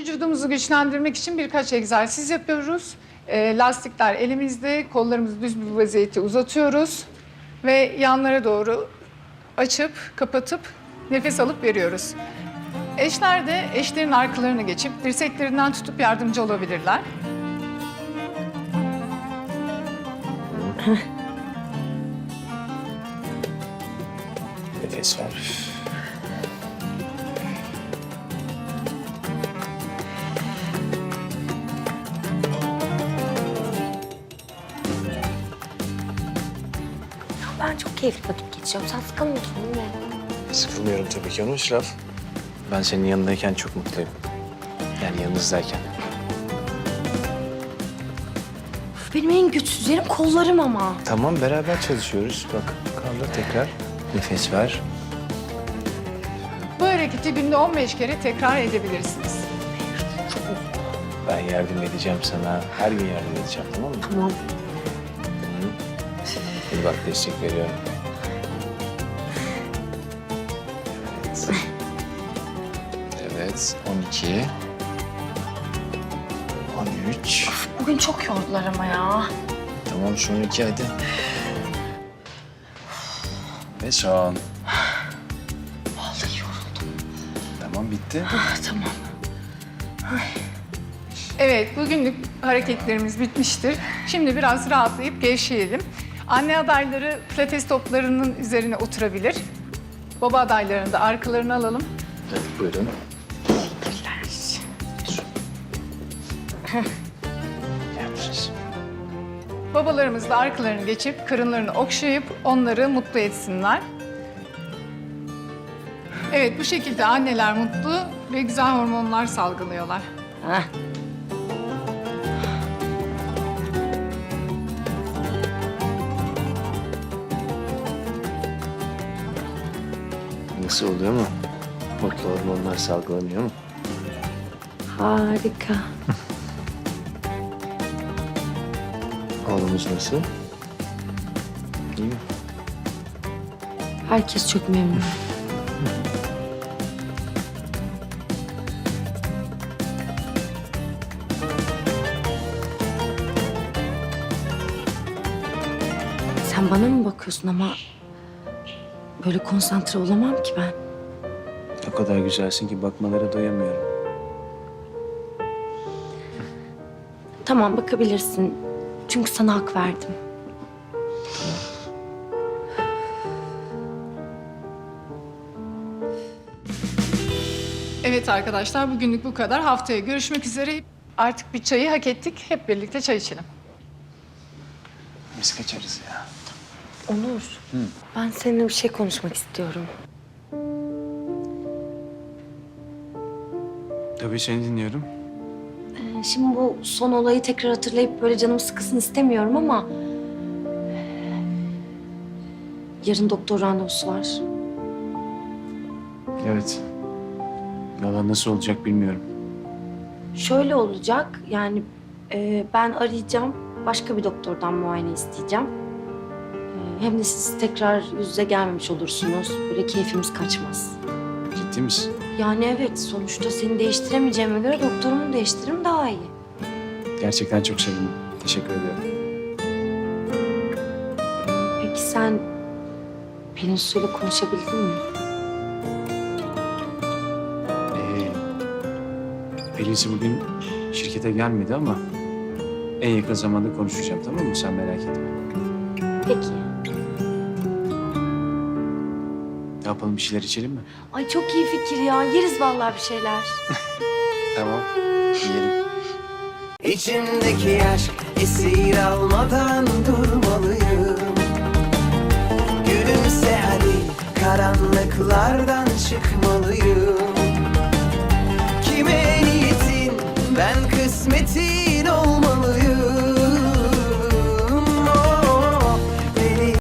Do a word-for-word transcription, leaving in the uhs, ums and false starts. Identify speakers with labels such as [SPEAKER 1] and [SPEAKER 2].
[SPEAKER 1] Vücudumuzu güçlendirmek için birkaç egzersiz yapıyoruz. E, lastikler elimizde, kollarımızı düz bir vaziyette uzatıyoruz. Ve yanlara doğru açıp, kapatıp nefes alıp veriyoruz. Eşler de eşlerin arkalarına geçip dirseklerinden tutup yardımcı olabilirler.
[SPEAKER 2] Nefes ver.
[SPEAKER 3] Ben çok keyifli vakit geçiriyorum. Sen sıkılmıyorsun değil mi?
[SPEAKER 2] Sıkılmıyorum tabii ki onu Şiraf. Ben senin yanındayken çok mutluyum. Yani yanınızdayken.
[SPEAKER 3] Benim en güçsüz yerim kollarım ama.
[SPEAKER 2] Tamam beraber çalışıyoruz. Bak kaldır tekrar. Nefes ver.
[SPEAKER 1] Bu hareketi günde on beş kere tekrar edebilirsiniz.
[SPEAKER 2] Ben yardım edeceğim sana. Her gün yardım edeceğim tamam mı?
[SPEAKER 3] Tamam.
[SPEAKER 2] Hadi bak destek veriyorum. Evet. Evet. on iki. on üç.
[SPEAKER 3] Bugün çok yordular ama ya.
[SPEAKER 2] Tamam son iki hadi. Ve son.
[SPEAKER 3] Vallahi yoruldum.
[SPEAKER 2] Tamam bitti.
[SPEAKER 3] Ah, tamam.
[SPEAKER 1] Evet, bugünlük hareketlerimiz bitmiştir. Şimdi biraz rahatlayıp gevşeyelim. Anne adayları pilates toplarının üzerine oturabilir. Baba adaylarını da arkalarına alalım.
[SPEAKER 2] Hadi buyurun. Yapacağız.
[SPEAKER 1] Babalarımız da arkalarını geçip karınlarını okşayıp onları mutlu etsinler. Evet, bu şekilde anneler mutlu ve güzel hormonlar salgılıyorlar.
[SPEAKER 3] Heh.
[SPEAKER 2] Nasıl oluyor mu? Mutlu hormonlar salgılanıyor mu?
[SPEAKER 3] Harika.
[SPEAKER 2] Oğlumuz nasıl? İyi mi?
[SPEAKER 3] Herkes çok memnun. Sen bana mı bakıyorsun ama böyle konsantre olamam ki ben.
[SPEAKER 2] O kadar güzelsin ki bakmalara doyamıyorum.
[SPEAKER 3] Tamam bakabilirsin. Çünkü sana hak verdim.
[SPEAKER 1] Evet arkadaşlar, bugünlük bu kadar. Haftaya görüşmek üzere. Artık bir çayı hak ettik. Hep birlikte çay içelim.
[SPEAKER 2] Biz kaçarız ya.
[SPEAKER 3] Onur, ben seninle bir şey konuşmak istiyorum.
[SPEAKER 2] Tabii seni dinliyorum.
[SPEAKER 3] Ee, Şimdi bu son olayı tekrar hatırlayıp böyle canım sıkısın istemiyorum ama... Yarın doktor randevusu var.
[SPEAKER 2] Evet. Valla nasıl olacak bilmiyorum.
[SPEAKER 3] Şöyle olacak, yani e, ben arayacağım, başka bir doktordan muayene isteyeceğim. E, hem de siz tekrar yüz yüze gelmemiş olursunuz, böyle keyfimiz kaçmaz.
[SPEAKER 2] Ciddi misin?
[SPEAKER 3] Yani evet, sonuçta seni değiştiremeyeceğime göre doktorumu değiştiririm daha iyi.
[SPEAKER 2] Gerçekten çok sevindim. Teşekkür ediyorum.
[SPEAKER 3] Peki sen Pelin Su'yla konuşabildin mi?
[SPEAKER 2] Ee, Pelin'si bugün şirkete gelmedi ama en yakın zamanda konuşacağım tamam mı? Sen merak etme.
[SPEAKER 3] Peki.
[SPEAKER 2] Ne yapalım bir şeyler içelim mi?
[SPEAKER 3] Ay çok iyi fikir ya, yeriz vallahi bir şeyler.
[SPEAKER 2] Tamam. Yiyelim.
[SPEAKER 4] İçimdeki aşk esir almadan durmalıyım. Gülümse hadi karanlıklardan çıkmalıyım.